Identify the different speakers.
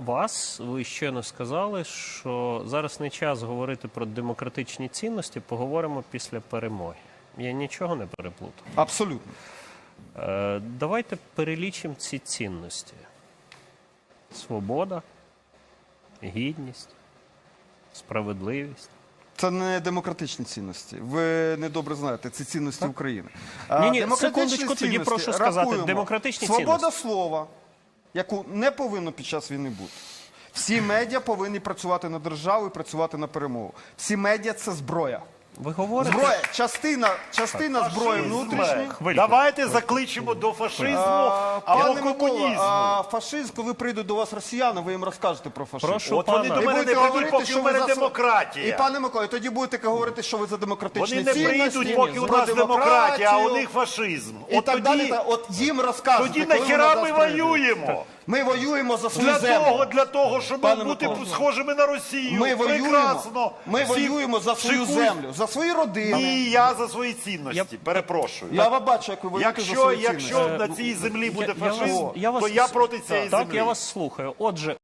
Speaker 1: вас. Ви щойно сказали, що зараз не час говорити про демократичні цінності, поговоримо після перемоги. Я нічого не переплутав.
Speaker 2: Абсолютно.
Speaker 1: Давайте перелічимо ці цінності. Свобода, гідність, справедливість.
Speaker 2: Це не демократичні цінності. Ви недобре знаєте, це цінності України.
Speaker 1: Ні,
Speaker 2: Демократичні
Speaker 1: секундочку, тоді
Speaker 2: цінності
Speaker 1: прошу сказати.
Speaker 2: рахуємо.
Speaker 1: Демократичні
Speaker 2: Свобода
Speaker 1: цінності.
Speaker 2: слова, яку не повинно під час війни бути. Всі медіа повинні працювати на державу і працювати на перемогу. Всі медіа – це зброя.
Speaker 1: Ви говорите?
Speaker 2: Зброя, частина зброї внутрішньої.
Speaker 1: Хвильку.
Speaker 3: Давайте закличемо до фашизму або
Speaker 2: Пане Микола,
Speaker 3: комунізму.
Speaker 2: фашизм, коли прийдуть до вас росіяни, ви їм розкажете про фашизм.
Speaker 1: Прошу
Speaker 3: От вони
Speaker 1: пана.
Speaker 3: до
Speaker 2: І
Speaker 3: мене
Speaker 2: будете
Speaker 3: не прийдуть,
Speaker 2: говорити,
Speaker 3: поки
Speaker 2: що
Speaker 3: у мене
Speaker 2: ви за
Speaker 3: демократія.
Speaker 2: І, пане Миколо, тоді будете говорити, що ви за демократичні
Speaker 3: Вони не
Speaker 2: цінності,
Speaker 3: прийдуть, поки у
Speaker 2: про
Speaker 3: нас демократія, а у
Speaker 2: демократію
Speaker 3: них фашизм.
Speaker 2: і
Speaker 3: От
Speaker 2: так далі. От їм розкажете,
Speaker 3: тоді
Speaker 2: коли
Speaker 3: нахіра
Speaker 2: вони
Speaker 3: ми
Speaker 2: до нас прийдуть.
Speaker 3: воюємо?
Speaker 2: Ми воюємо за свою землю.
Speaker 3: Для того, щоб
Speaker 2: Пане
Speaker 3: бути
Speaker 2: Микола.
Speaker 3: схожими на Росію.
Speaker 2: Ми
Speaker 3: Прекрасно.
Speaker 2: воюємо за свою землю, за свої родини.
Speaker 3: І я за свої цінності, перепрошую.
Speaker 2: Я вам бачу, як ви воюєте за свої цінності.
Speaker 3: Якщо на цій землі буде
Speaker 1: Я вас-
Speaker 3: фашизм,
Speaker 1: я вас-
Speaker 3: то я проти цієї
Speaker 1: Так,
Speaker 3: землі.
Speaker 1: я вас слухаю. Отже,